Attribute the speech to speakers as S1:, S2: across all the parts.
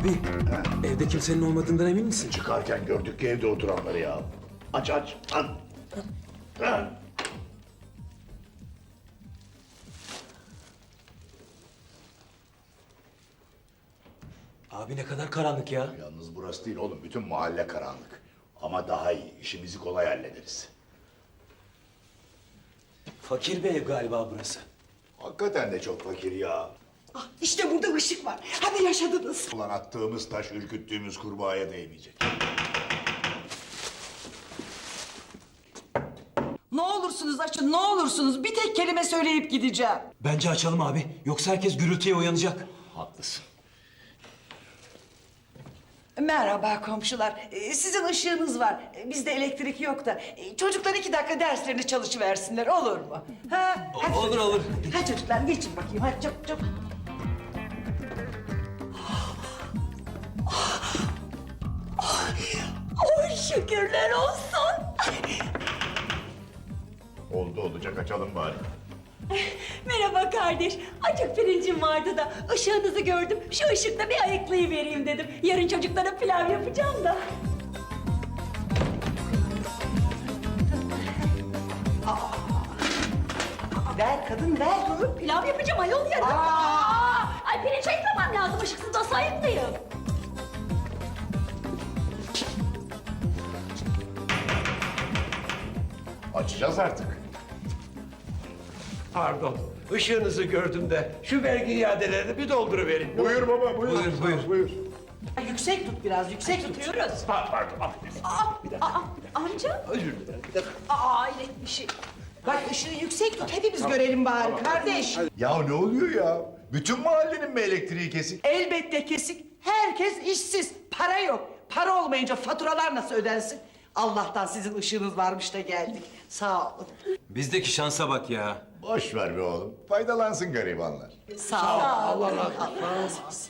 S1: Abi, evde kimsenin olmadığından emin misin?
S2: Çıkarken gördük ki evde oturanları ya. Aç aç. Lan. Lan.
S1: Abi ne kadar karanlık ya.
S2: Yalnız burası değil oğlum. Bütün mahalle karanlık. Ama daha iyi. İşimizi kolay hallederiz.
S1: Fakir bir ev galiba burası.
S2: Hakikaten de çok fakir ya.
S3: Ah, işte burada ışık var. Hadi yaşadınız.
S2: Ulan attığımız taş ürküttüğümüz kurbağaya değmeyecek.
S3: Ne olursunuz açın, ne olursunuz. Bir tek kelime söyleyip gideceğim.
S1: Bence açalım abi. Yoksa herkes gürültüye uyanacak.
S2: Haklısın.
S3: Merhaba komşular. Sizin ışığınız var. Bizde elektrik yok da. Çocuklar 2 dakika derslerini çalışıversinler, olur mu? Ha? Hadi
S1: Olur,
S3: çocuklar.
S1: olur.
S3: Hadi çocuklar geçin bakayım. Hadi çabuk çabuk.
S4: Oy şükürler olsun.
S2: Oldu olacak açalım bari.
S4: Merhaba kardeş. Acık pirincim vardı da ışığınızı gördüm. Şu ışıkta bir ayıklayıvereyim dedim. Yarın çocuklara pilav yapacağım da.
S3: Ver kadın ver.
S4: Dur, pilav yapacağım ayol yarın. Ay pirinç ayıklamam lazım. Işıksız nasıl ayıklayayım?
S2: Açacağız artık.
S5: Pardon, ışığınızı gördüm de şu vergi iadelerini bir dolduruverin.
S2: Buyur baba buyur.
S1: Buyur.
S3: Yüksek tut biraz, yüksek tut.
S4: Tutuyoruz.
S5: Pardon, affedersin.
S4: Amca.
S5: Özür dilerim. Bir dakika.
S4: Hayret bir şey.
S3: Bak ışığı yüksek tut, hepimiz görelim bari kardeş.
S2: Ya ne oluyor ya? Bütün mahallenin mi elektriği kesik?
S3: Elbette kesik. Herkes işsiz. Para yok. Para olmayınca faturalar nasıl ödensin? Allah'tan sizin ışığınız varmış da geldik. Sağ olun.
S1: Bizdeki şansa bak ya.
S2: Boş ver be oğlum. Faydalansın garibanlar.
S3: Sağ olun. Allah razı olsun.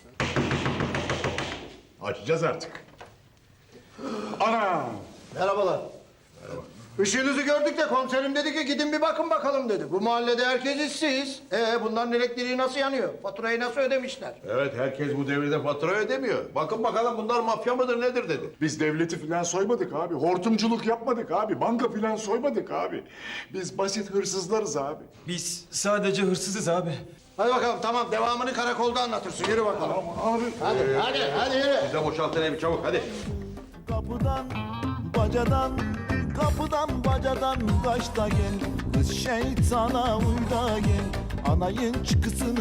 S2: Açacağız artık.
S6: Ana! Merhabalar. Işığınızı gördük de komiserim dedi ki gidin bir bakın bakalım dedi. Bu mahallede herkes işsiz. Bunların elektriği nasıl yanıyor? Faturayı nasıl ödemişler?
S5: Evet, herkes bu devirde fatura ödemiyor. Bakın bakalım bunlar mafya mıdır nedir dedi.
S7: Biz devleti filan soymadık abi. Hortumculuk yapmadık abi. Banka filan soymadık abi. Biz basit hırsızlarız abi.
S1: Biz sadece hırsızız abi.
S6: Hadi bakalım tamam devamını karakolda anlatırsın. Yürü bakalım.
S7: Abi
S6: Hadi yürü.
S5: Bize boşaltın evi çabuk hadi.
S8: Kapıdan bacadan kapıdan bacadan kaç da gel kız şeytana uy da gel anayın çıkısını